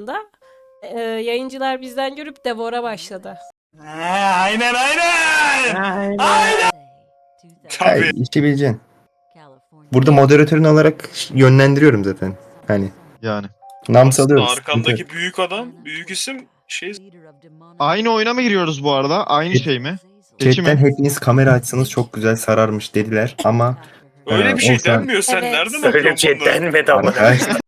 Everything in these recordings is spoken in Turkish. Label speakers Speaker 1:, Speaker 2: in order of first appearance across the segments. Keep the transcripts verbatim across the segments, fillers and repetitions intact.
Speaker 1: anda e, yayıncılar bizden görüp Devor'a başladı.
Speaker 2: Aynen aynen.
Speaker 3: Aynen.
Speaker 2: Aynen. Tabii.
Speaker 3: Ay, işi bileceksin. Burada moderatörün olarak yönlendiriyorum zaten. Hani
Speaker 4: Yani.
Speaker 3: nam
Speaker 2: Aslında
Speaker 3: salıyoruz.
Speaker 2: arkandaki büyük adam, büyük isim şey.
Speaker 4: Aynı oyuna mı giriyoruz bu arada? Aynı şey mi? Keçi
Speaker 3: Chatten
Speaker 4: mi?
Speaker 3: hepiniz kamera açsanız çok güzel sararmış dediler ama
Speaker 2: Öyle
Speaker 3: Ee,
Speaker 2: bir şey
Speaker 3: o şu an-
Speaker 2: denmiyor. Sen
Speaker 1: Evet.
Speaker 2: nereden
Speaker 5: Öyle bir
Speaker 2: okuyorsun
Speaker 5: şey
Speaker 2: bunları?
Speaker 5: denmedi ama.
Speaker 3: arkadaşlar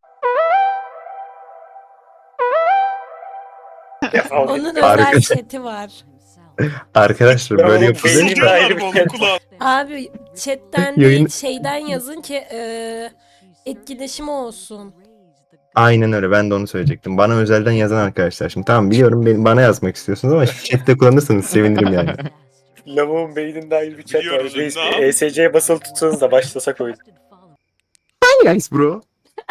Speaker 1: Onun
Speaker 3: Harika.
Speaker 1: özel chat'i var.
Speaker 3: arkadaşlar
Speaker 5: Ya
Speaker 3: böyle
Speaker 5: oğlum,
Speaker 3: yapılır.
Speaker 5: benim-
Speaker 2: Fısıldıyorlar mı onun kulağına?
Speaker 1: Abi chatten
Speaker 3: Yayın-
Speaker 1: değil şeyden yazın ki e, etkileşimi olsun.
Speaker 3: Aynen öyle, ben de onu söyleyecektim. Bana özelden yazan arkadaşlar. Şimdi tamam, biliyorum benim, bana yazmak istiyorsunuz ama chatte kullanırsanız sevinirim yani.
Speaker 5: Lavuğun beyninde ayrı bir chat var.
Speaker 2: Biliyoruz,
Speaker 5: Reis
Speaker 2: ne
Speaker 5: bir
Speaker 2: yap-
Speaker 5: E S C'ye basılı tutsanız da başlasak oyun.
Speaker 3: Guys bro.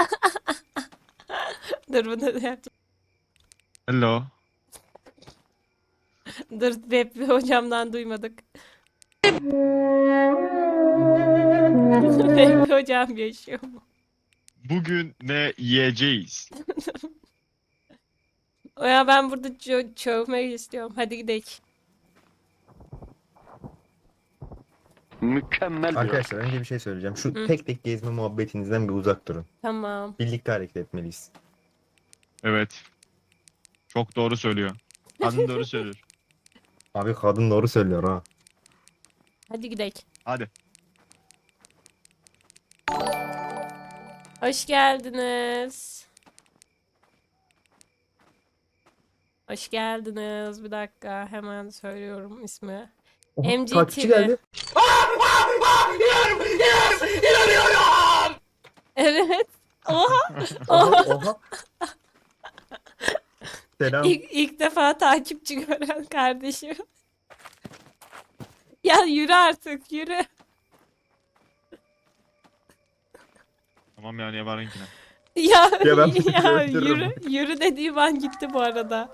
Speaker 1: Dur bunu da yapacağım.
Speaker 4: Hello.
Speaker 1: Dur Webbi hocamdan duymadık. Webbi hocam yaşıyor mu?
Speaker 4: Bugün ne yiyeceğiz?
Speaker 1: O ya ben burada çö çövmek istiyorum. Hadi gidelim.
Speaker 6: Mükemmel bir
Speaker 3: Arkadaşlar önce bir şey söyleyeceğim. Şu
Speaker 1: Hı.
Speaker 3: tek tek gezme muhabbetinizden bir uzak durun.
Speaker 1: Tamam.
Speaker 3: Birlikte hareket etmeliyiz.
Speaker 4: Evet. Çok doğru söylüyor. Kadın doğru söylüyor.
Speaker 3: Abi kadın doğru söylüyor ha.
Speaker 1: Hadi gidelim.
Speaker 4: Hadi.
Speaker 1: Hoş geldiniz. Hoş geldiniz. Bir dakika hemen söylüyorum ismi.
Speaker 3: Oha,
Speaker 1: M G
Speaker 3: takipçi
Speaker 1: T V.
Speaker 3: geldi.
Speaker 1: Evet. Oha.
Speaker 3: Oha oha. Selam.
Speaker 1: İlk, ilk defa takipçi gören kardeşim. Ya yürü artık yürü.
Speaker 4: Tamam yani yabarınkine.
Speaker 1: Ya,
Speaker 3: Ya ben
Speaker 1: ya
Speaker 3: öldürürüm.
Speaker 1: yürü yürü dediğim an gitti bu arada.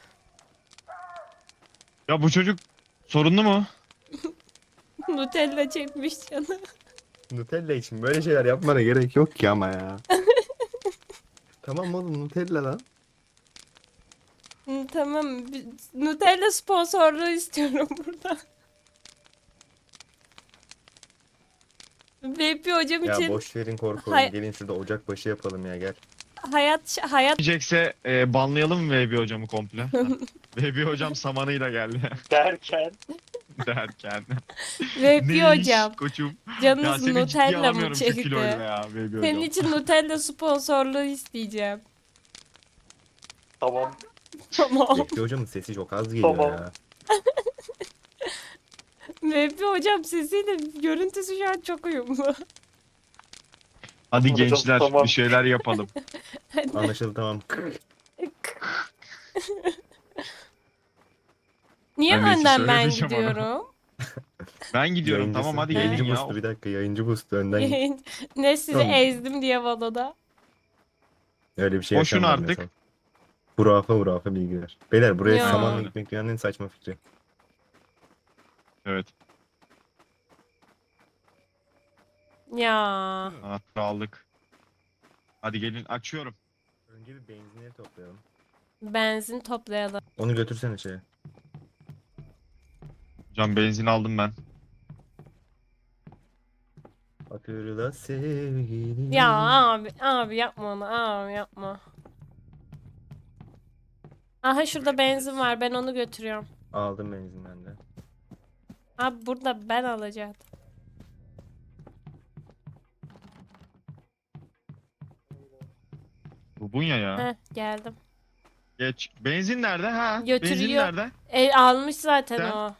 Speaker 4: Ya bu çocuk sorunlu mu?
Speaker 1: Nutella çekmiş canı.
Speaker 3: Nutella için böyle şeyler yapmana gerek yok ki ama ya. Tamam oğlum, Nutella lan.
Speaker 1: Hı, tamam. bir- Nutella sponsorluğu istiyorum burada. Vp hocam
Speaker 3: Ya
Speaker 1: için
Speaker 3: boş verin korku
Speaker 1: Hay-
Speaker 3: oyunu. Gelin şurada ocak başı yapalım ya, gel.
Speaker 1: hayat hayat
Speaker 4: Diyecekse e, banlayalım mı V B hocamı komple? V B hocam samanıyla geldi
Speaker 5: Derken.
Speaker 4: derken.
Speaker 1: Vp
Speaker 4: Ne iş
Speaker 1: hocam.
Speaker 4: koçum? Ya
Speaker 1: Canınız
Speaker 4: seni ciddiye
Speaker 1: Nutella mı
Speaker 4: alamıyorum şu
Speaker 1: çekti?
Speaker 4: kiloyla ya V B
Speaker 1: Senin
Speaker 4: hocam.
Speaker 1: için Nutella sponsorluğu isteyeceğim.
Speaker 5: Tamam.
Speaker 1: Tamam.
Speaker 3: Bekli hocamın sesi çok az geliyor
Speaker 5: Tamam.
Speaker 3: ya.
Speaker 1: Vp hocam sesiyle görüntüsü şu an çok uyumlu.
Speaker 4: Hadi
Speaker 5: Hocam,
Speaker 4: gençler
Speaker 5: tamam.
Speaker 4: bir şeyler yapalım.
Speaker 3: Anlaşıldı, tamam.
Speaker 1: Niye
Speaker 4: Ben de size
Speaker 1: önden ben
Speaker 4: söyleyeceğim onu.
Speaker 1: gidiyorum?
Speaker 4: Ben gidiyorum
Speaker 3: Yayıncısı.
Speaker 4: tamam hadi
Speaker 3: Yayıncı
Speaker 4: gelin ya.
Speaker 3: boostu, bir dakika, yayıncı boostu önden git.
Speaker 1: Yayın- ne sizi
Speaker 3: Tamam.
Speaker 1: ezdim diye valoda.
Speaker 3: Öyle bir şey
Speaker 4: Boşun
Speaker 3: yaşanmadı
Speaker 4: artık.
Speaker 3: mesela. Hurafe hurafe bilgiler. Beyler buraya
Speaker 1: Ya.
Speaker 3: samanla gitmek dünyanın en saçma fikri.
Speaker 4: Evet.
Speaker 1: Ya.
Speaker 4: Anahtarı aldık. Hadi gelin açıyorum.
Speaker 3: Önce bir benzinleri toplayalım.
Speaker 1: Benzin toplayalım.
Speaker 3: Onu götürsene şeye.
Speaker 4: Hocam benzin aldım ben.
Speaker 3: Hatırla sevgili.
Speaker 1: Ya abi abi yapma onu abi yapma. Aha şurada benzin var ben onu götürüyorum.
Speaker 3: Aldım benzin ben de.
Speaker 1: Abi burada ben alacaktım.
Speaker 4: Bu Bunya ya.
Speaker 1: Heh geldim.
Speaker 4: Geç. Benzin nerede ha? Benzin
Speaker 1: Götürüyor.
Speaker 4: nerede?
Speaker 1: E, almış zaten
Speaker 4: Sen-
Speaker 1: o.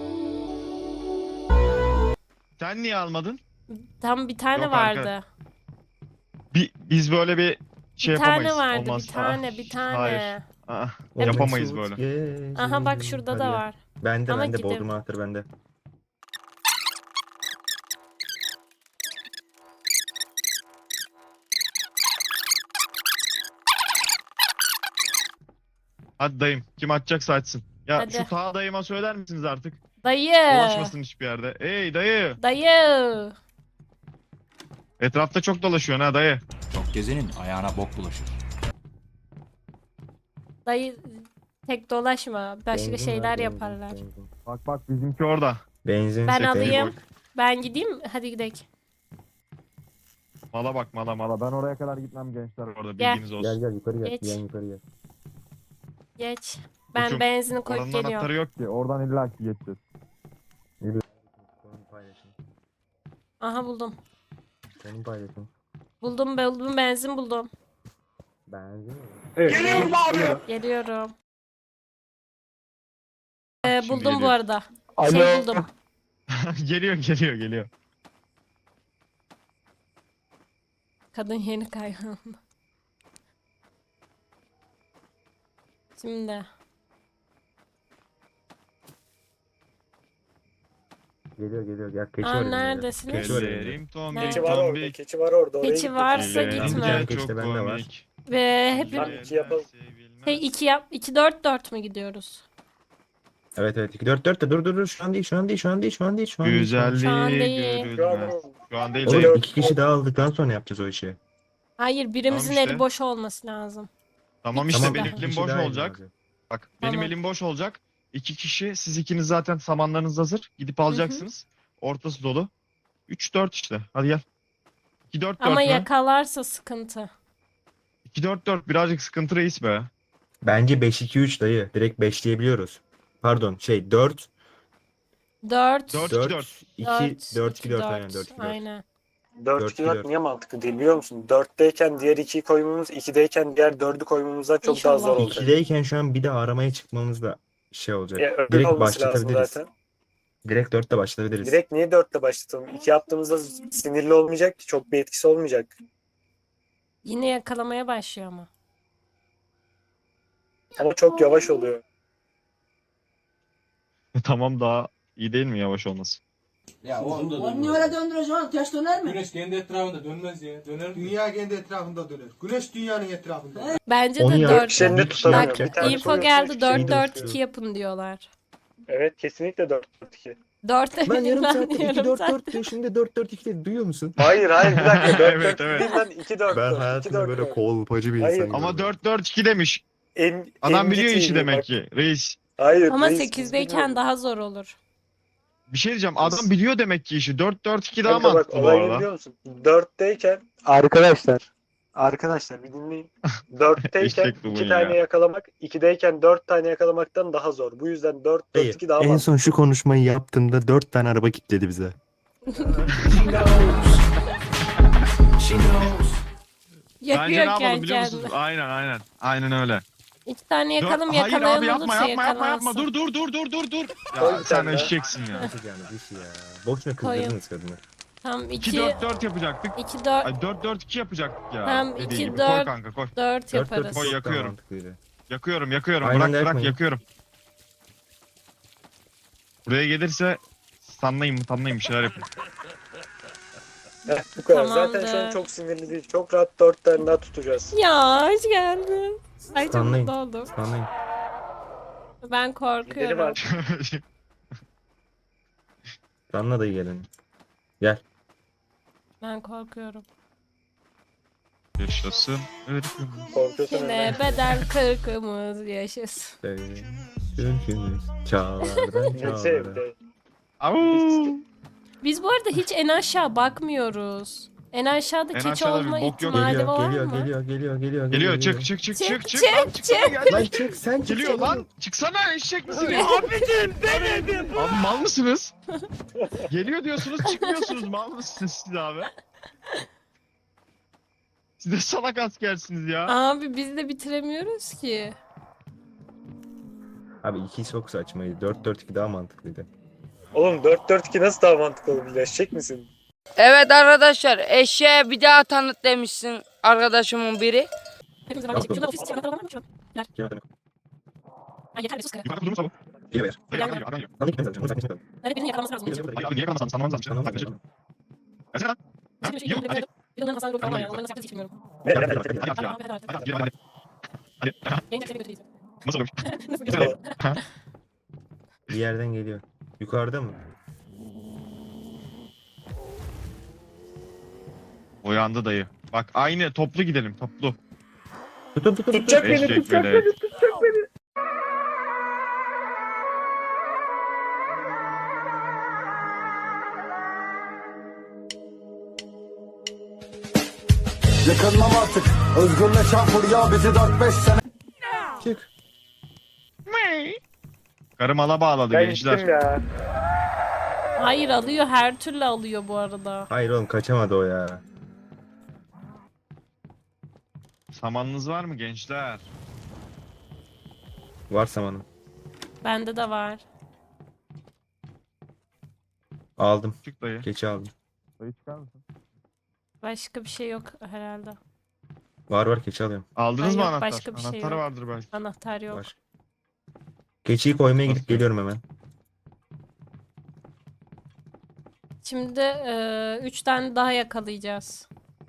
Speaker 4: Sen niye almadın?
Speaker 1: Tam bir tane
Speaker 4: Yok
Speaker 1: vardı.
Speaker 4: arkadaş. Bi- biz böyle bir şey
Speaker 1: Bir tane
Speaker 4: yapamayız.
Speaker 1: vardı
Speaker 4: Olmaz.
Speaker 1: bir tane
Speaker 4: Ah,
Speaker 1: bir tane.
Speaker 4: Hayır. Ah,
Speaker 1: Evet.
Speaker 4: yapamayız böyle.
Speaker 3: Gecenin
Speaker 1: Aha bak şurada da
Speaker 3: hadi ya.
Speaker 1: var.
Speaker 3: Bende
Speaker 1: Ama
Speaker 3: bende
Speaker 1: gidelim.
Speaker 3: Bodrum anahtarı bende.
Speaker 4: Hadi dayım. Kim açacaksa açsın. Ya
Speaker 1: Hadi.
Speaker 4: şu ta dayıma söyler misiniz artık?
Speaker 1: Dayı.
Speaker 4: Dolaşmasın hiçbir yerde. Ey dayı.
Speaker 1: Dayı.
Speaker 4: Etrafta çok dolaşıyorsun ha dayı.
Speaker 6: Çok gezenin ayağına bok bulaşır.
Speaker 1: Dayı tek dolaşma. Başka
Speaker 3: Benzin
Speaker 1: şeyler
Speaker 3: var, benzin,
Speaker 1: yaparlar.
Speaker 3: benzin.
Speaker 4: Bak bak bizimki orada.
Speaker 3: Benzin.
Speaker 1: Ben
Speaker 3: benzin.
Speaker 1: alayım. Ben gideyim. Hadi gidelim.
Speaker 4: Mala bak mala mala. Ben oraya kadar gitmem gençler orada
Speaker 1: Gel.
Speaker 4: bilginiz olsun.
Speaker 3: Gel gel yukarı gel.
Speaker 1: Geç.
Speaker 3: Gel yukarı gel.
Speaker 1: Geç. Ben
Speaker 4: Koçum,
Speaker 1: benzini koyup
Speaker 4: Oranın
Speaker 1: geliyorum.
Speaker 4: anahtarı yok ki. Oradan illa ki geçeceğiz.
Speaker 3: Konum paylaşın.
Speaker 1: Aha buldum.
Speaker 3: Konum paylaşın.
Speaker 1: Buldum buldum benzin buldum.
Speaker 3: Benzin mi?
Speaker 5: Geliyorum abi.
Speaker 1: Geliyorum. Ee,
Speaker 4: Şimdi
Speaker 1: buldum bu
Speaker 4: geliyor.
Speaker 1: arada.
Speaker 5: Alo.
Speaker 1: Şey buldum.
Speaker 4: geliyor geliyor geliyor.
Speaker 1: Kadın yeni kaygan. Şimdi.
Speaker 3: Geliyor geliyor. Gel keçi
Speaker 1: Aa,
Speaker 3: var önünde.
Speaker 1: neredesiniz?
Speaker 3: Keçi var önünde.
Speaker 4: Ellerim tombik
Speaker 1: Nerede?
Speaker 5: Keçi var orada.
Speaker 4: tombik.
Speaker 5: Keçi var orada. Oraya
Speaker 1: Keçi
Speaker 5: gittik.
Speaker 1: varsa
Speaker 4: Ellerim
Speaker 1: gitme.
Speaker 3: Gel,
Speaker 4: çok
Speaker 3: keçi bende var.
Speaker 4: komik.
Speaker 1: Ve hep
Speaker 5: Lan iki yapalım.
Speaker 1: şey iki yap iki dört dört mü gidiyoruz?
Speaker 3: Evet evet. iki dört dört de dur dur dur. Şu an değil şu an değil şu an değil şu an değil şu an değil. şu an değil.
Speaker 1: Şu an
Speaker 4: Güzelliği
Speaker 1: değil.
Speaker 5: Şu an
Speaker 4: görülmez. Şu an değil
Speaker 3: Oğlum
Speaker 4: dayı.
Speaker 3: iki kişi daha aldıktan sonra yapacağız o işi.
Speaker 1: Hayır birimizin
Speaker 4: Tamam işte.
Speaker 1: eli boş olması lazım.
Speaker 4: Tamam
Speaker 1: İki
Speaker 4: işte
Speaker 1: kişi
Speaker 4: benim
Speaker 1: daha.
Speaker 3: iki
Speaker 4: elim
Speaker 3: kişi
Speaker 4: boş
Speaker 3: daha
Speaker 4: olacak.
Speaker 3: lazım.
Speaker 4: Bak benim
Speaker 1: Tamam.
Speaker 4: elim boş olacak. İki kişi siz ikiniz zaten samanlarınız hazır. Gidip alacaksınız. Ortası dolu. üç dört işte. Hadi gel. iki dört dört
Speaker 1: Ama
Speaker 4: mü?
Speaker 1: yakalarsa sıkıntı.
Speaker 4: iki dört dört birazcık sıkıntı reis be.
Speaker 3: Bence beş iki üç dayı. Direkt beşleyebiliyoruz. Pardon şey dört
Speaker 1: dört
Speaker 4: Dört.
Speaker 3: dört iki
Speaker 1: dört
Speaker 3: dört iki dört aynen dört iki dört.
Speaker 1: Aynen.
Speaker 5: dört iki dört niye mantıklı değil biliyor musun? dörtteyken diğer ikiyi koymamız, ikideyken diğer dördü koymamızdan çok
Speaker 1: İnşallah.
Speaker 5: daha zor olacak.
Speaker 3: ikideyken şu an bir de aramaya çıkmamız da şey olacak.
Speaker 5: Ya, öyle
Speaker 3: Direkt
Speaker 5: olması lazım
Speaker 3: başlatabiliriz.
Speaker 5: zaten.
Speaker 3: Direkt dörtte başlatabiliriz.
Speaker 5: Direkt niye dörtle başlatalım? İki yaptığımızda sinirli olmayacak ki. Çok bir etkisi olmayacak.
Speaker 1: Yine yakalamaya başlıyor ama.
Speaker 5: Ama çok yavaş oluyor.
Speaker 4: Tamam daha iyi değil mi yavaş olması?
Speaker 6: Ya oğlum da
Speaker 7: Onu niye öyle döndürüyorsun? Ters döner mi?
Speaker 6: Güneş kendi etrafında dönmez ya. Döner mi? Dünya kendi etrafında döner. Güneş dünyanın etrafında.
Speaker 1: Bence
Speaker 3: Onu
Speaker 1: de
Speaker 3: yap.
Speaker 1: dört.
Speaker 5: Şeyini tutamıyor.
Speaker 1: Bak
Speaker 5: Bir tane
Speaker 1: info
Speaker 5: koyuyorsun,
Speaker 1: geldi
Speaker 5: hiçbir şey
Speaker 1: dört
Speaker 5: değil.
Speaker 1: dört iki yapın diyorlar.
Speaker 5: Evet kesinlikle dört iki.
Speaker 1: dört
Speaker 3: Ben yarım
Speaker 1: ben
Speaker 3: saatte iki
Speaker 1: yarım
Speaker 3: dört
Speaker 1: saat-
Speaker 3: dört diyor şimdi dört dört iki dedi duyuyor musun?
Speaker 5: Hayır hayır bir dakika. dört
Speaker 4: Evet,
Speaker 5: dört
Speaker 4: evet.
Speaker 5: değil lan iki dört
Speaker 3: Ben
Speaker 5: dört. iki
Speaker 3: hayatımda
Speaker 5: dört
Speaker 3: böyle
Speaker 5: dört.
Speaker 3: kolpacı bir
Speaker 5: Hayır.
Speaker 3: insan
Speaker 4: Ama
Speaker 3: görmedim.
Speaker 4: dört dört iki demiş.
Speaker 5: En,
Speaker 4: Adam
Speaker 5: en
Speaker 4: biliyor
Speaker 5: ciddi
Speaker 4: işi
Speaker 5: bak.
Speaker 4: demek ki reis.
Speaker 5: Hayır.
Speaker 1: Ama
Speaker 5: reis, biz
Speaker 1: sekizdeyken
Speaker 5: biliyoruz.
Speaker 1: daha zor olur.
Speaker 4: Bir şey diyeceğim adam biliyor demek ki işi. dört dört iki daha
Speaker 5: Kanka bak
Speaker 4: mantıklı bu
Speaker 5: olay ne
Speaker 4: arada.
Speaker 5: biliyor musun? dörtteyken arkadaşlar arkadaşlar bir dinleyin. dörtteyken
Speaker 4: Eşek bu
Speaker 5: iki
Speaker 4: ya.
Speaker 5: tane yakalamak, ikideyken dört tane yakalamaktan daha zor. Bu yüzden dört
Speaker 3: Dayı,
Speaker 5: dört iki daha
Speaker 3: en
Speaker 5: mantıklı.
Speaker 3: son şu konuşmayı yaptığımda dört tane araba kilitledi bize.
Speaker 4: Bence ne
Speaker 1: Yakıyor
Speaker 4: yapalım biliyor
Speaker 1: kendini.
Speaker 4: musunuz? Aynen aynen. Aynen öyle.
Speaker 1: İki tane yakalım
Speaker 4: Dört- Hayır
Speaker 1: yakalayan
Speaker 4: abi yapma
Speaker 1: olursa
Speaker 4: yapma yapma yapma.
Speaker 1: yakalansın.
Speaker 4: Dur dur dur dur dur dur.
Speaker 5: Koy
Speaker 4: Ya
Speaker 5: bir
Speaker 4: sen
Speaker 5: tane daha.
Speaker 4: eşeksin ya.
Speaker 3: Yapacağınız iş ya. Boşuna
Speaker 1: Koyun.
Speaker 3: kızdırdınız kadını.
Speaker 1: Tam
Speaker 4: iki
Speaker 1: iki
Speaker 4: dört dört yapacaktık.
Speaker 1: iki dört
Speaker 4: Ay dört dört iki yapacaktık ya.
Speaker 1: Tamam,
Speaker 4: Dediği
Speaker 1: iki,
Speaker 4: gibi.
Speaker 1: dört.
Speaker 4: Koy kanka koy.
Speaker 1: dört
Speaker 3: dört
Speaker 1: yaparız.
Speaker 3: dört
Speaker 4: Koy,
Speaker 3: çok daha
Speaker 4: yakıyorum.
Speaker 3: mantıklıydı.
Speaker 4: Yakıyorum yakıyorum.
Speaker 3: Aynen
Speaker 4: bırak bırak
Speaker 3: yakmayın.
Speaker 4: yakıyorum. Buraya gelirse sanlayın mı tanlayın bir şeyler yapın.
Speaker 5: Heh, bu kadar. Zaten şu an
Speaker 1: Tamamdır.
Speaker 5: çok sinirli değil. Çok rahat dört tane daha tutacağız.
Speaker 1: Ya hoş geldin. Ay çok
Speaker 3: Sanlayın.
Speaker 1: mutlu oldum.
Speaker 3: Anlayın.
Speaker 1: Ben
Speaker 5: Gideri
Speaker 1: korkuyorum.
Speaker 5: var.
Speaker 3: Anla dayı gelin.
Speaker 1: Ben korkuyorum.
Speaker 4: Yaşasın ırkım.
Speaker 5: Korkuyorsan
Speaker 1: Yine
Speaker 5: öyle.
Speaker 1: bedel kırkımız yaşasın.
Speaker 3: Türkümüz çağlardan
Speaker 5: Neyse
Speaker 3: çağlara.
Speaker 5: evde.
Speaker 4: Au!
Speaker 1: Biz bu arada hiç en aşağı bakmıyoruz. En aşağıda
Speaker 4: En
Speaker 1: keçi
Speaker 4: aşağıda bir
Speaker 1: olma
Speaker 4: bok yok.
Speaker 1: ihtimali
Speaker 3: Geliyor,
Speaker 1: var
Speaker 3: geliyor,
Speaker 1: mı?
Speaker 3: geliyor, geliyor, geliyor,
Speaker 4: Geliyor çık çık çık
Speaker 1: Çık,
Speaker 4: çık çık.
Speaker 1: çık,
Speaker 4: Lan, çıksana gel.
Speaker 3: Lan çık, sen çık.
Speaker 4: Geliyor
Speaker 3: sen
Speaker 4: lan. Çıksana eşek misin ya? Abicim demedim. Abi mal mısınız? Geliyor diyorsunuz çıkmıyorsunuz. Mal mısınız siz abi? Siz de salak askersiniz ya.
Speaker 1: Abi biz de bitiremiyoruz ki.
Speaker 3: Abi iki çok saçmaydı. dört dört iki daha mantıklıydı.
Speaker 5: Oğlum dört dört iki nasıl daha mantıklı olur? Eşek misin?
Speaker 7: Evet arkadaşlar eşeğe bir daha tanıt demişsin arkadaşımın biri.
Speaker 1: Hepimiz
Speaker 3: Yok,
Speaker 1: var.
Speaker 3: yok.
Speaker 1: Şurada ofis için anahtarlar var mı şu an?
Speaker 3: Kim adamı?
Speaker 1: Ha, yeter be sus kare.
Speaker 4: Yukarıda durmuş abi.
Speaker 3: Geliyor ver.
Speaker 4: Hayır, adam geliyor, adam geliyor.
Speaker 3: Lan gitmez zaten. Onu sen gitmez.
Speaker 1: Evet birinin yakalaması lazım.
Speaker 3: Geliyor,
Speaker 1: Bizim
Speaker 3: geliyor.
Speaker 4: Hayır abi niye kalmasan sanmamız lazım.
Speaker 3: Tamam,
Speaker 4: Yaklaşık.
Speaker 3: tamam.
Speaker 4: Gelsene lan. Ha?
Speaker 1: bir şey
Speaker 4: Yiyor.
Speaker 1: yok.
Speaker 4: Hadi.
Speaker 1: Bir de onların hasarı yok ama yani. Onların nasıl yaptığını hiç bilmiyorum.
Speaker 5: Hadi,
Speaker 3: Hadi,
Speaker 5: hadi,
Speaker 3: hadi,
Speaker 5: hadi.
Speaker 4: Hadi ya.
Speaker 1: Hadi, hadi, hadi.
Speaker 4: Hadi gidelim hadi. Hadi.
Speaker 1: Yayın seni götüreceğiz.
Speaker 4: Nasıl olmuş?
Speaker 1: Nasıl
Speaker 4: Güzel.
Speaker 1: götüreceğiz?
Speaker 3: Bir yerden geliyor. Yukarıda mı?
Speaker 4: Uyandı dayı. Bak aynı toplu gidelim toplu.
Speaker 3: Tutun tutun tutun.
Speaker 5: Tutacak beni
Speaker 4: Eşek
Speaker 5: tutacak
Speaker 4: böyle.
Speaker 5: beni tutacak
Speaker 6: Yakınmam artık. Özgürle çarpır ya bizi dört beş sene.
Speaker 3: Çık.
Speaker 4: Karı mala bağladı
Speaker 5: Ben
Speaker 4: gençler.
Speaker 5: gittim ya.
Speaker 1: Hayır alıyor, her türlü alıyor bu arada.
Speaker 3: Hayır oğlum kaçamadı o ya.
Speaker 4: Samanınız var mı gençler?
Speaker 3: Var samanım.
Speaker 1: Bende de var.
Speaker 3: Aldım.
Speaker 4: Çık dayı.
Speaker 3: Keçi aldım.
Speaker 4: Dayı çıkar mısın?
Speaker 1: Başka bir şey yok herhalde.
Speaker 3: Var var keçi alıyorum.
Speaker 4: Aldınız
Speaker 1: Ay
Speaker 4: mı
Speaker 1: yok,
Speaker 4: anahtar?
Speaker 1: başka bir şey
Speaker 4: Anahtarı
Speaker 1: yok.
Speaker 4: vardır belki.
Speaker 1: Anahtar yok.
Speaker 3: Var. Keçiyi koymaya gidip
Speaker 4: Nasıl?
Speaker 3: geliyorum hemen.
Speaker 1: Şimdi e, üç tane daha yakalayacağız.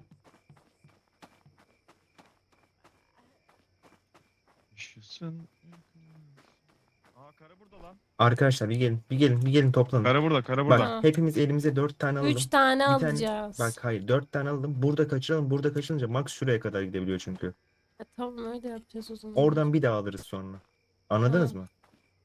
Speaker 4: Yaşasın. Aa karı burada lan.
Speaker 3: Arkadaşlar bir gelin. Bir gelin. Bir gelin toplanın.
Speaker 4: Karı burada, karı
Speaker 3: Bak
Speaker 4: burada.
Speaker 3: hepimiz elimize dört tane alalım.
Speaker 1: Üç tane
Speaker 3: Bir tane-
Speaker 1: alacağız.
Speaker 3: Bak hayır dört tane alalım. Burada kaçıralım. Burada kaçırınca max şuraya kadar gidebiliyor çünkü.
Speaker 1: E, tamam öyle yapacağız o zaman.
Speaker 3: Oradan bir daha alırız sonra. Anladınız mı?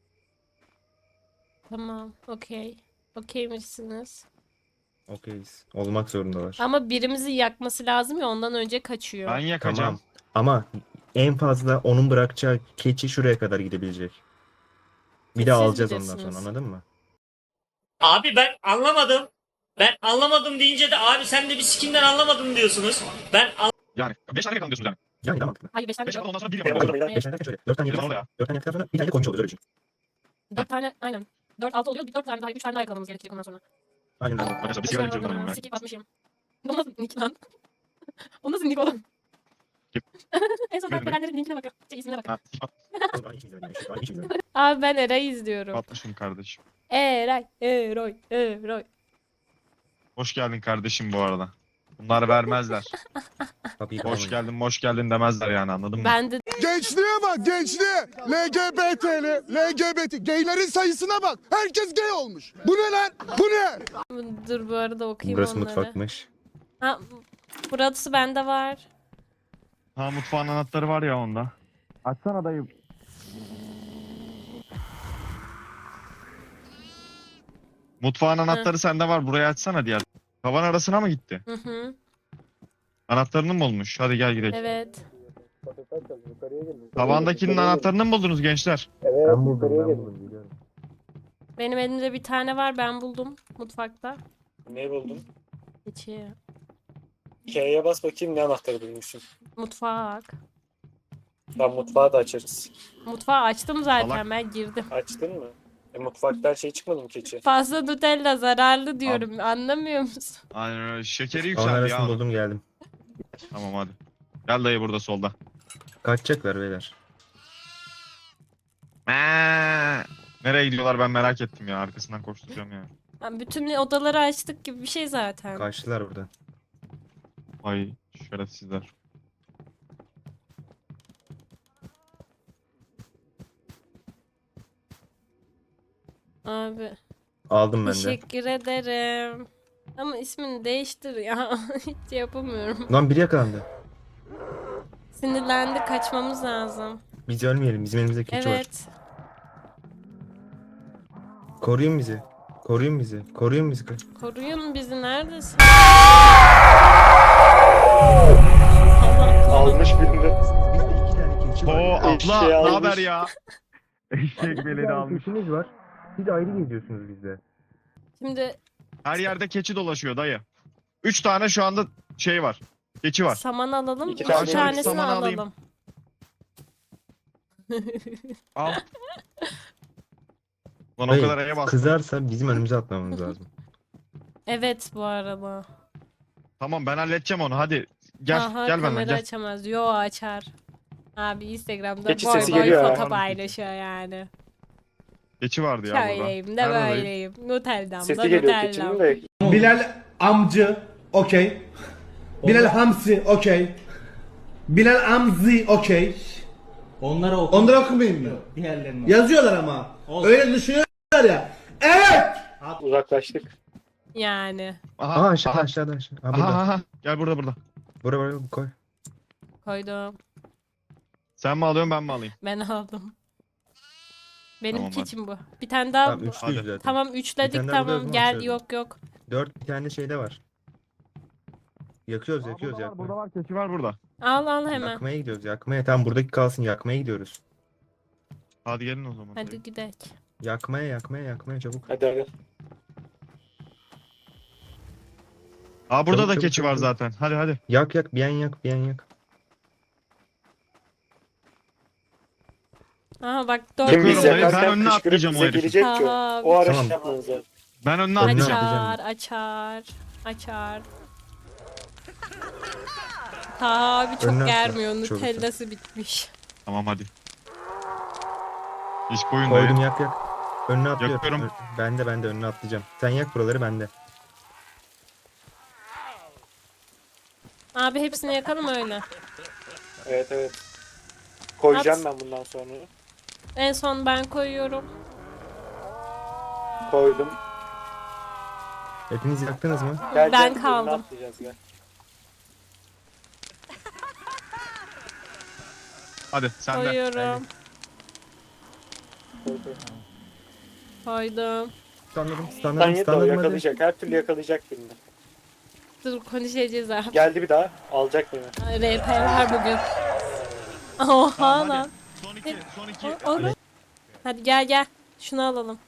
Speaker 1: Tamam, okey. Okeymişsiniz.
Speaker 3: Okeyiz. Olmak zorundalar.
Speaker 1: Ama birimizi yakması lazım ya, ondan önce kaçıyor.
Speaker 4: Ben yakacağım.
Speaker 3: Tamam. Ama en fazla onun bırakacağı keçi şuraya kadar gidebilecek. Bir de
Speaker 1: Siz
Speaker 3: alacağız ondan
Speaker 1: bilirsiniz.
Speaker 3: sonra anladın mı?
Speaker 8: Abi ben anlamadım. Ben anlamadım deyince de abi sen de bir sikimden anlamadım diyorsunuz. Ben
Speaker 4: Yani beş tane yakalım diyorsunuz yani.
Speaker 3: Yani daha mantıklı.
Speaker 1: Hayır, beş tane
Speaker 4: beş
Speaker 1: yok.
Speaker 4: tane ondan sonra bir
Speaker 5: Benim
Speaker 4: yapalım.
Speaker 5: oldu beyler.
Speaker 3: Beş tane derken şöyle. Dört tane
Speaker 4: Benim
Speaker 3: yapalım.
Speaker 4: oldu ya.
Speaker 3: Dört tane yaptıktan sonra bir tane de koymuş oluyoruz öyle düşün.
Speaker 1: Dört tane, aynen. Dört, altı oluyor. Bir dört tane daha, üç tane daha yakalamamız gerekecek ondan sonra.
Speaker 3: Aynen öyle.
Speaker 4: Arkadaşlar bir sigara içiyorum ben.
Speaker 1: Sikip atmışım. O nasıl nick lan? O nasıl nick oğlum?
Speaker 4: Kim?
Speaker 1: En son
Speaker 4: Benim
Speaker 1: takip edenlerin linkine bakın. Şey, ismine bakın.
Speaker 4: Ha,
Speaker 3: Aynı işi izliyorum yani, aynı işi izliyorum.
Speaker 1: Abi ben Eray'ı izliyorum.
Speaker 4: atmışım kardeşim.
Speaker 1: Eray, Eroy, Eroy.
Speaker 4: Hoş geldin kardeşim bu arada. Bunlar vermezler.
Speaker 3: Kapıyı
Speaker 4: Hoş
Speaker 3: kapamayın.
Speaker 4: geldin, hoş geldin demezler yani anladın mı?
Speaker 1: Ben de
Speaker 6: Gençliğe bak gençliğe. L G B T'li, L G B T. Gaylerin sayısına bak. Herkes gay olmuş. Bu ne lan? Bu ne?
Speaker 1: dur bu arada okuyayım
Speaker 3: Burası
Speaker 1: onları.
Speaker 3: mutfakmış.
Speaker 1: Ha, burası bende var.
Speaker 4: Ha mutfağın anahtarı var ya onda. Açsana dayı. Mutfağın anahtarı sende var. Burayı açsana diğer. Tavan arasına mı gitti?
Speaker 1: Hı hı.
Speaker 4: Anahtarını mı bulmuş? Hadi gel gidelim.
Speaker 1: Evet.
Speaker 4: Tavandakinin anahtarını mı buldunuz gençler?
Speaker 5: Evet,
Speaker 3: Ben buldum
Speaker 5: yukarıya
Speaker 3: ben
Speaker 5: gelin.
Speaker 3: buldum biliyorum.
Speaker 1: Benim elimde bir tane var, ben buldum mutfakta.
Speaker 5: Ne buldun?
Speaker 1: İçi.
Speaker 5: K'ye bas bakayım ne anahtarı bulmuşsun.
Speaker 1: Mutfak.
Speaker 5: Tam mutfağı da açarız.
Speaker 1: Mutfağı açtım zaten,
Speaker 4: Salak.
Speaker 1: ben girdim.
Speaker 5: Açtın mı? E mutfakta her şey çıkmadı mı keçi?
Speaker 1: Fazla Nutella zararlı diyorum, anlamıyor musun?
Speaker 4: Aynen öyle. Şekeri
Speaker 3: Tavan
Speaker 4: yükseldi
Speaker 3: arasını
Speaker 4: ya. onun.
Speaker 3: buldum geldim.
Speaker 4: Tamam hadi. Gel dayı burada solda.
Speaker 3: Kaçacaklar beyler.
Speaker 4: Mee. Nereye gidiyorlar ben merak ettim ya. Arkasından koşturacağım ya.
Speaker 1: Ha, bütün odaları açtık gibi bir şey zaten.
Speaker 3: Kaçtılar buradan.
Speaker 4: Ay şerefsizler.
Speaker 1: Abi
Speaker 3: Aldım ben de.
Speaker 1: teşekkür ederim. Ama ismini değiştir ya. Hiç yapamıyorum.
Speaker 3: Lan biri yakalandı.
Speaker 1: Sinirlendi, kaçmamız lazım.
Speaker 3: Biz ölmeyelim. Bizim elimizde keçi var.
Speaker 1: Evet.
Speaker 3: Koruyun bizi. Koruyun bizi. Koruyun bizi.
Speaker 1: Koruyun bizi, neredesin?
Speaker 5: Almış birini.
Speaker 3: Bizde iki tane keçi var.
Speaker 4: Oo
Speaker 3: ya.
Speaker 4: abla
Speaker 5: Eşeği
Speaker 4: ne
Speaker 5: almış.
Speaker 4: haber ya? Eşek
Speaker 3: İki
Speaker 4: beledi
Speaker 3: tane
Speaker 4: almış.
Speaker 3: keçimiz var. Siz ayrı geziyorsunuz bizde.
Speaker 1: Şimdi
Speaker 4: Her yerde keçi dolaşıyor dayı. Üç tane şu anda şey var. Keçi var.
Speaker 1: saman alalım.
Speaker 5: İki
Speaker 1: İki
Speaker 5: tane
Speaker 1: tanesini
Speaker 4: saman alayım.
Speaker 1: alalım.
Speaker 4: Al. Lan o
Speaker 3: Hayır,
Speaker 4: kadar eye bastım.
Speaker 3: Kızarsa bizim önümüze atmamız lazım.
Speaker 1: Evet bu arada.
Speaker 4: Tamam ben halledeceğim onu hadi. Gel
Speaker 1: Aha,
Speaker 4: gel benden
Speaker 1: kamera
Speaker 4: gel.
Speaker 1: açamaz. Yo açar. Abi Instagram'da
Speaker 5: Keçi
Speaker 1: boy
Speaker 5: sesi
Speaker 1: boy
Speaker 5: geliyor ha.
Speaker 1: foto paylaşıyor yani.
Speaker 4: Keçi vardı ya burada.
Speaker 1: Şöyleyim de
Speaker 4: Nerede dayı?
Speaker 1: böyleyim. Nutella'm da
Speaker 5: Sesi geliyor keçinin
Speaker 1: Nutella'm.
Speaker 5: de.
Speaker 6: Bilal amcı okey. Bilal Hamsi okey. Bilal Amzi okey.
Speaker 9: Onlara oku.
Speaker 6: Onları okumayayım mı?
Speaker 9: Diğerlerini.
Speaker 6: Yazıyorlar ama.
Speaker 9: Olsun.
Speaker 6: Öyle düşünüyorlar ya. Evet.
Speaker 5: Uzaklaştık.
Speaker 1: Yani.
Speaker 4: Aha,
Speaker 3: Aa aşağı aşağıda aşağı. Ha,
Speaker 4: aha,
Speaker 3: burada.
Speaker 4: aha. Gel burada burada.
Speaker 3: Buraya buraya koy.
Speaker 1: Koydum.
Speaker 4: Sen mi alıyorsun ben mi alayım?
Speaker 1: Ben aldım. Benim
Speaker 4: Tamam, hadi.
Speaker 1: keçim bu. Bir tane daha.
Speaker 3: Tamam
Speaker 1: bu-
Speaker 3: üçlüyüz
Speaker 4: Hadi.
Speaker 3: zaten.
Speaker 1: Tamam
Speaker 3: Bir
Speaker 1: üçledik
Speaker 3: tane daha burada
Speaker 1: tamam.
Speaker 3: yok mu
Speaker 1: Gel
Speaker 3: aşağıda?
Speaker 1: yok yok.
Speaker 3: Dört bir tane şeyde var. Yakıyoruz
Speaker 4: Aa,
Speaker 3: yakıyoruz
Speaker 4: burada var, burada
Speaker 3: yakmaya.
Speaker 4: var, keçi var burada.
Speaker 1: Al al hemen.
Speaker 3: Yakmaya gidiyoruz yakmaya. Tamam buradaki kalsın yakmaya gidiyoruz.
Speaker 4: Hadi gelin o zaman.
Speaker 1: Hadi gidelim.
Speaker 3: Yakmaya yakmaya yakmaya çabuk.
Speaker 5: Hadi hadi.
Speaker 4: Aa burada
Speaker 3: Çabuk,
Speaker 4: da
Speaker 3: çabuk,
Speaker 4: keçi var
Speaker 3: çabuk.
Speaker 4: zaten. Hadi hadi.
Speaker 3: Yak yak bir yan yak bir yan yak.
Speaker 1: Aha bak
Speaker 5: Kim
Speaker 1: dört
Speaker 4: Yakıyorum
Speaker 5: bize
Speaker 4: orayı, ben
Speaker 5: yakarken
Speaker 4: önüne
Speaker 5: kışkırıp
Speaker 4: atlayacağım o
Speaker 5: bize
Speaker 4: herifi.
Speaker 5: gelecek ki o.
Speaker 1: Tamam.
Speaker 5: O ara
Speaker 3: Tamam.
Speaker 5: şey yapmanız lazım.
Speaker 4: Ben önüne
Speaker 3: Önüne
Speaker 4: atlayacağım.
Speaker 1: Açar, açar, açar. Ta abi çok
Speaker 3: Önüne atla,
Speaker 1: germiyor.
Speaker 3: çok
Speaker 1: Nutellası bitmiş.
Speaker 4: Tamam hadi. Hiç koyun
Speaker 3: Koydum
Speaker 4: dayı.
Speaker 3: yak yak. Önüne atlıyorum.
Speaker 4: Yakıyorum.
Speaker 3: Ö- Ben de ben de önüne atlayacağım. Sen yak buraları ben de.
Speaker 1: Abi hepsini yakalım öyle.
Speaker 5: Evet evet. Koyacağım
Speaker 1: At.
Speaker 5: ben bundan sonra.
Speaker 1: En son ben koyuyorum.
Speaker 5: Koydum.
Speaker 3: Hepiniz yaktınız mı?
Speaker 5: Gel,
Speaker 1: Ben
Speaker 5: gel,
Speaker 1: kaldım.
Speaker 5: önüne atlayacağız, gel.
Speaker 4: Hadi sen de.
Speaker 1: Koyuyorum.
Speaker 5: Koy, koy.
Speaker 1: Koydum.
Speaker 3: Standladım
Speaker 5: Sen
Speaker 3: standladım
Speaker 5: yet o
Speaker 3: standladım hadi.
Speaker 5: yakalayacak. Her türlü yakalayacak birini.
Speaker 1: Dur konuşacağız abi.
Speaker 5: Geldi bir daha. Alacak beni.
Speaker 1: R P var bugün. Oha
Speaker 4: Tamam,
Speaker 1: lan.
Speaker 4: hadi. Son iki, son iki.
Speaker 1: O- o- Hadi gel gel. Şunu alalım.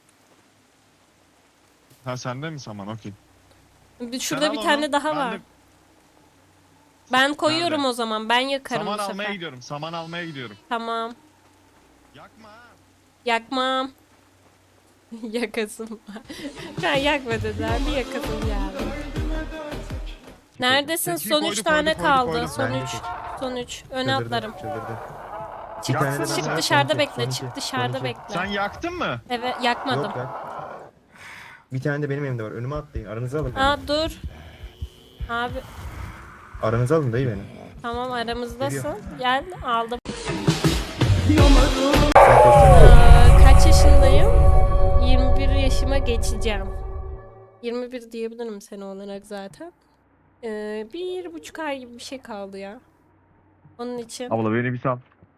Speaker 4: Ha sende mi saman? Okey.
Speaker 1: Bir-
Speaker 4: Sen
Speaker 1: Şurada
Speaker 4: al
Speaker 1: bir
Speaker 4: onu,
Speaker 1: tane daha
Speaker 4: ben
Speaker 1: var.
Speaker 4: de
Speaker 1: Ben koyuyorum
Speaker 4: Nerede?
Speaker 1: o zaman. Ben yakarım
Speaker 4: Saman
Speaker 1: bu
Speaker 4: almaya
Speaker 1: sefer.
Speaker 4: gidiyorum. Saman almaya gidiyorum.
Speaker 1: Tamam.
Speaker 4: Yakma ha.
Speaker 1: Yakmam. Yakasım var. Ben yakma dediler. Bir yakasım geldi. Neredesin?
Speaker 4: Keçiyi
Speaker 1: Son
Speaker 4: koyduk,
Speaker 1: üç tane
Speaker 4: koyduk, koyduk,
Speaker 1: kaldı.
Speaker 4: koyduk.
Speaker 1: Son
Speaker 3: Ben de
Speaker 1: üç.
Speaker 3: keçi.
Speaker 1: Son üç. Öne
Speaker 3: Çıldırdı,
Speaker 1: atlarım.
Speaker 3: çıldırdı.
Speaker 1: Çık,
Speaker 3: Bir tane de ben
Speaker 1: çık
Speaker 3: var,
Speaker 1: dışarıda
Speaker 3: son iki,
Speaker 1: bekle.
Speaker 3: son
Speaker 1: Çık
Speaker 3: iki,
Speaker 1: dışarıda
Speaker 3: son iki.
Speaker 1: bekle.
Speaker 4: Sen yaktın mı?
Speaker 1: Evet yakmadım.
Speaker 3: Yok ya. Bir tane de benim elimde var. Önüme atlayın. Aranıza alın. beni.
Speaker 1: Aa dur. Abi
Speaker 3: Aranıza alın dayı beni.
Speaker 1: tamam aramızdasın. Gel aldım.
Speaker 3: Sen koşsana.
Speaker 1: Aa, kaç yaşındayım? yirmi bir yaşıma geçeceğim. yirmi bir diyebilirim sene olarak zaten. Ee, bir buçuk ay gibi bir şey kaldı ya. Onun için.
Speaker 4: Abla beni bir sal.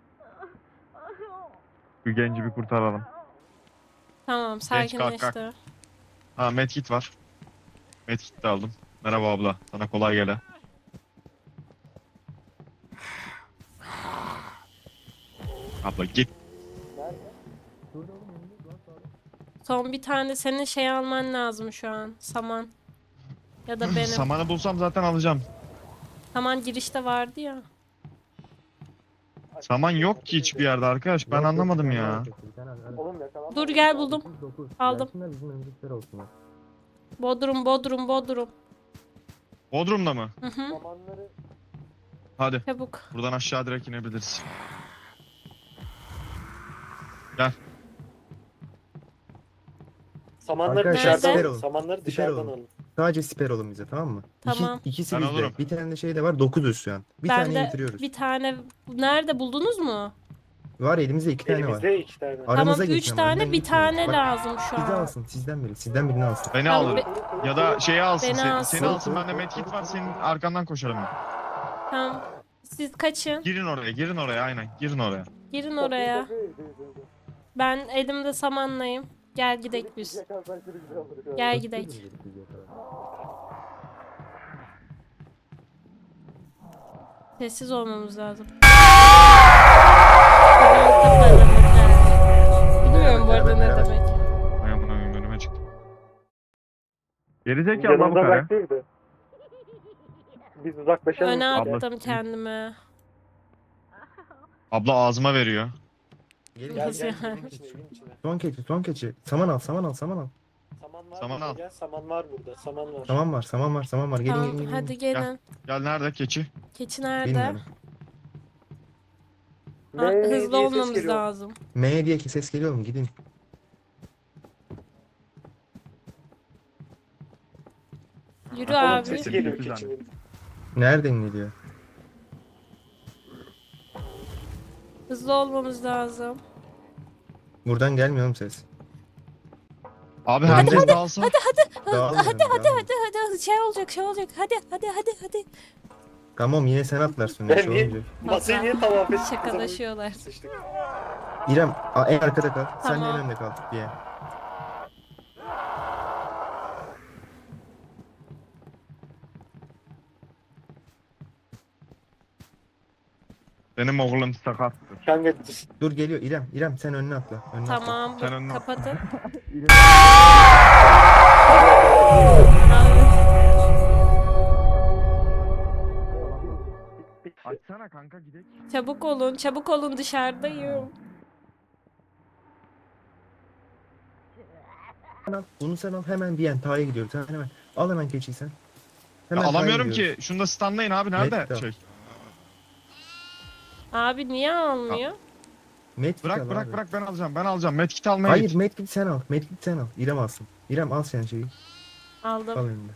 Speaker 4: Şu genci bir kurtaralım.
Speaker 1: Tamam
Speaker 4: kalk, kalk.
Speaker 1: sakinleşti.
Speaker 4: Ha medkit var. Medkit de aldım. Merhaba abla. Sana kolay gele. Abla git.
Speaker 1: Son bir tane senin şey alman lazım şu an. Saman. Ya da benim.
Speaker 4: Samanı bulsam zaten alacağım.
Speaker 1: Saman girişte vardı ya.
Speaker 4: Saman yok ki hiçbir yerde arkadaş. Ben
Speaker 3: Yok, yok,
Speaker 4: anlamadım
Speaker 3: bir tane
Speaker 4: ya.
Speaker 3: var, bir tane var.
Speaker 5: Oğlum yakalanma.
Speaker 1: Dur gel buldum.
Speaker 3: Dokuz.
Speaker 1: Aldım.
Speaker 3: Gelsinler, bizim önümüzdekiler olsunlar.
Speaker 1: Bodrum, Bodrum, Bodrum.
Speaker 4: Bodrum'da mı?
Speaker 1: Hı hı.
Speaker 5: Samanları
Speaker 4: Hadi.
Speaker 1: Çabuk.
Speaker 4: Buradan aşağı direkt inebiliriz.
Speaker 5: Samanları
Speaker 3: Arkadaşlar,
Speaker 5: dışarıdan
Speaker 1: siper
Speaker 5: alın.
Speaker 3: olun.
Speaker 5: Samanları
Speaker 3: Siper
Speaker 5: dışarıdan
Speaker 3: olun.
Speaker 5: alın.
Speaker 3: Sadece siper olun bize tamam mı?
Speaker 1: Tamam.
Speaker 3: İki, ikisi
Speaker 4: Ben
Speaker 3: bizde.
Speaker 4: olurum.
Speaker 3: Bir tane de şey de var. Dokuzuz şu an. Bir
Speaker 1: Ben
Speaker 3: tane
Speaker 1: de
Speaker 3: bitiriyoruz.
Speaker 1: bir tane nerede buldunuz mu?
Speaker 3: Var elimizde iki tane var.
Speaker 5: Elimizde iki tane.
Speaker 3: Aranıza
Speaker 1: Tamam
Speaker 3: geçin
Speaker 1: üç
Speaker 3: ama,
Speaker 1: tane
Speaker 3: önden
Speaker 1: bir
Speaker 3: gitmeyin.
Speaker 1: tane
Speaker 3: Bak,
Speaker 1: lazım şu
Speaker 3: Sizi
Speaker 1: an.
Speaker 3: alsın sizden biri. Sizden birini alsın.
Speaker 4: Beni
Speaker 1: Tamam,
Speaker 4: al.
Speaker 1: be-
Speaker 4: Ya da şeyi alsın.
Speaker 1: Beni
Speaker 4: Seni,
Speaker 1: alsın.
Speaker 4: seni alsın. Bende medkit var. Senin arkandan koşarım ben.
Speaker 1: Tamam. Siz kaçın.
Speaker 4: Girin oraya. Girin oraya. Aynen. Girin oraya.
Speaker 1: Girin oraya. Ben elimde samanlayım. Gel gidek biz. Gel gidek. Sessiz olmamız lazım. Bilmiyorum bu arada ne demek.
Speaker 4: Ay amına koyayım, önüme çıktı. Gerizekalı lan bu
Speaker 5: Yanımda
Speaker 4: kare.
Speaker 5: bıraktıydı. Biz uzaklaşalım.
Speaker 1: Öne
Speaker 4: Abla-
Speaker 1: attım kendime.
Speaker 4: Abla ağzıma veriyor.
Speaker 3: Gelin,
Speaker 5: Gel
Speaker 1: Nasıl
Speaker 5: gel
Speaker 1: yani?
Speaker 5: evin içine evin içine.
Speaker 3: Son keçi son keçi. Saman al saman al saman al.
Speaker 5: Saman var
Speaker 4: Saman
Speaker 5: burada,
Speaker 4: al.
Speaker 5: gel. Saman var burada. Saman var.
Speaker 3: Saman var saman var saman var. Gelin gelin
Speaker 1: Tamam
Speaker 3: gelin.
Speaker 1: hadi gelin.
Speaker 4: Gel nerede keçi?
Speaker 1: Keçi nerede?
Speaker 3: Bilmiyorum.
Speaker 1: Ha,
Speaker 5: Ne diye
Speaker 1: hızlı
Speaker 5: ses
Speaker 1: olmamız
Speaker 5: geliyor.
Speaker 1: lazım.
Speaker 3: M diye ki ses geliyor mu? Gidin.
Speaker 1: Yürü
Speaker 5: Oğlum
Speaker 1: abi.
Speaker 5: sesi geliyor keçinin.
Speaker 3: Nereden geliyor?
Speaker 1: Hızlı olmamız lazım.
Speaker 3: Buradan gelmiyor mu ses?
Speaker 4: Abi
Speaker 3: Hadi,
Speaker 4: herkes dağılsın.
Speaker 3: Dağılmıyorum,
Speaker 1: Hadi hadi
Speaker 3: dağılmıyorum.
Speaker 1: hadi hadi şey olacak şey olacak. Hadi hadi hadi hadi.
Speaker 3: Tamam yine sen atlarsın.
Speaker 5: Ben
Speaker 3: Ne şey
Speaker 5: niye-
Speaker 3: olunca.
Speaker 5: Masayı niye tavaf ettik?
Speaker 1: Şakalaşıyorlar.
Speaker 5: Sıçtık.
Speaker 3: İrem a- en arkada kal. Sen de
Speaker 1: Tamam.
Speaker 3: en önde kal diye.
Speaker 4: Benim oğlum sakat.
Speaker 5: Kanka
Speaker 3: Dur geliyor İrem. İrem sen önüne atla. Önüne atla.
Speaker 1: Tamam
Speaker 4: Sen
Speaker 1: bu-
Speaker 4: önüne-
Speaker 1: kapatın.
Speaker 4: Açsana kanka gidelim.
Speaker 1: Çabuk olun, çabuk olun, dışarıdayım.
Speaker 3: Sen al, Bunu sen al hemen diyen Ta'ya gidiyoruz. Hemen hemen. Al hemen keçiyi sen.
Speaker 4: Ya
Speaker 3: Hemen Ta'ya
Speaker 4: alamıyorum
Speaker 3: gidiyoruz.
Speaker 4: ki. Şunu da standlayın abi. Nerede
Speaker 3: Medkit al.
Speaker 4: şey?
Speaker 1: Abi niye almıyor?
Speaker 3: Medkit al
Speaker 4: Bırak bırak
Speaker 3: abi.
Speaker 4: bırak ben alacağım. Ben alacağım. Medkit almaya
Speaker 3: Hayır
Speaker 4: git.
Speaker 3: medkit sen al. Medkit sen al. İrem alsın. İrem al sen şeyi. Al
Speaker 1: Aldım.
Speaker 3: önünde.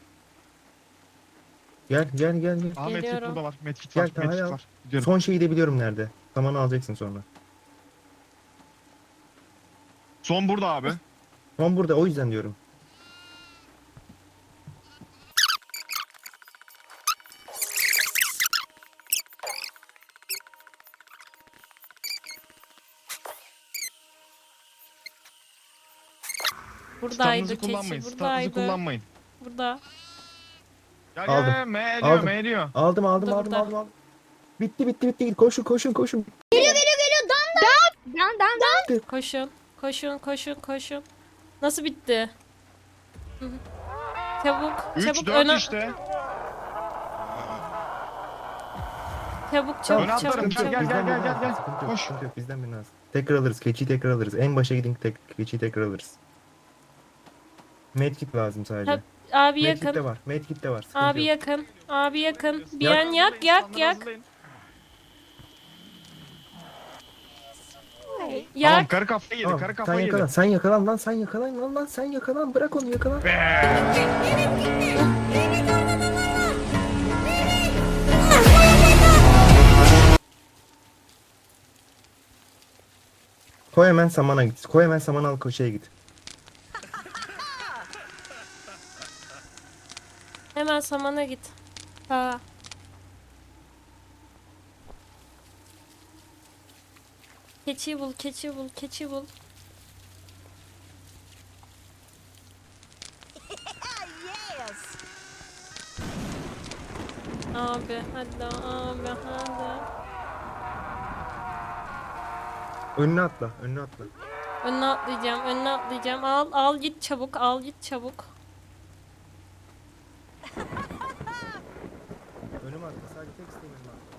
Speaker 3: Gel gel gel. gel.
Speaker 4: Aa medkit
Speaker 1: Geliyorum.
Speaker 4: burada var. Medkit
Speaker 3: Gel,
Speaker 4: var.
Speaker 3: Taha'yı
Speaker 4: Medkit
Speaker 3: al.
Speaker 4: var. Gidiyorum.
Speaker 3: Son şeyi de biliyorum nerede. Samanı alacaksın sonra.
Speaker 4: Son burada abi.
Speaker 3: Son burada o yüzden diyorum.
Speaker 1: Buradaydı
Speaker 4: Standınızı kullanmayın.
Speaker 1: keçi,
Speaker 4: Standınızı
Speaker 1: buradaydı.
Speaker 4: kullanmayın.
Speaker 1: Burada.
Speaker 4: Gel
Speaker 3: Aldım.
Speaker 4: gel. M ediyor
Speaker 3: Aldım.
Speaker 4: M ediyor.
Speaker 3: Aldım aldım
Speaker 1: Burada,
Speaker 3: aldım
Speaker 1: burada.
Speaker 3: aldım aldım. Bitti bitti bitti. Koşun koşun koşun.
Speaker 1: Koşun, koşun, koşun, koşun. Nasıl bitti? Hı hı. Çabuk,
Speaker 4: üç
Speaker 1: çabuk
Speaker 4: dört
Speaker 1: öne,
Speaker 4: işte.
Speaker 1: çabuk,
Speaker 4: Öne
Speaker 1: çabuk,
Speaker 4: atlarım.
Speaker 1: çabuk,
Speaker 4: Gel,
Speaker 1: çabuk.
Speaker 4: gel,
Speaker 3: Bizden
Speaker 4: gel,
Speaker 3: birini
Speaker 4: gel,
Speaker 3: al.
Speaker 4: gel.
Speaker 3: Sıkıntı yok,
Speaker 4: Koş.
Speaker 3: sıkıntı yok. Bizden birini alsın. Tekrar alırız. Keçiyi tekrar alırız. En başa gidin tek, keçiyi tekrar alırız. Medkit lazım sadece.
Speaker 1: Ha, Abi
Speaker 3: Medkit de
Speaker 1: yakın,
Speaker 3: var. Medkit de var. Sıkıntı
Speaker 1: abi
Speaker 3: yok.
Speaker 1: yakın, abi yakın. Bir
Speaker 3: Yak.
Speaker 1: an yak, yak, yak.
Speaker 4: Tamam
Speaker 1: Yak.
Speaker 4: karı kafayı yedi.
Speaker 3: Al,
Speaker 4: Karı
Speaker 3: sen
Speaker 4: kafayı
Speaker 3: yakalan.
Speaker 4: yedi.
Speaker 3: Sen yakalan lan. Sen yakalan lan lan. Sen yakalan. Bırak onu yakalan. Koy hemen samana git. Koy hemen samana al koşuya git.
Speaker 1: Hemen samana git. Ha. Keçiyi bul, keçiyi bul, keçiyi bul. Abi hadi abi hadi.
Speaker 3: Önüne atla. Önüne atla.
Speaker 1: Önüne atlayacağım, önüne atlayacağım. Al, al git çabuk, al git çabuk.
Speaker 3: Önüme atla. Sadece tek isteğim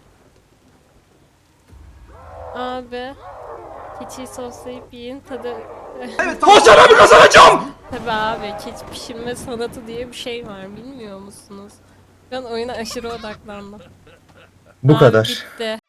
Speaker 3: önüme atla.
Speaker 1: Abi. Keçiyi soslayıp yiyin tadı.
Speaker 2: Evet bir kazanacağım.
Speaker 1: Tabii abi keçi pişirme sanatı diye bir şey var bilmiyor musunuz? Ben oyuna aşırı odaklandım.
Speaker 3: Bu
Speaker 1: Abi
Speaker 3: kadar.
Speaker 1: bitti.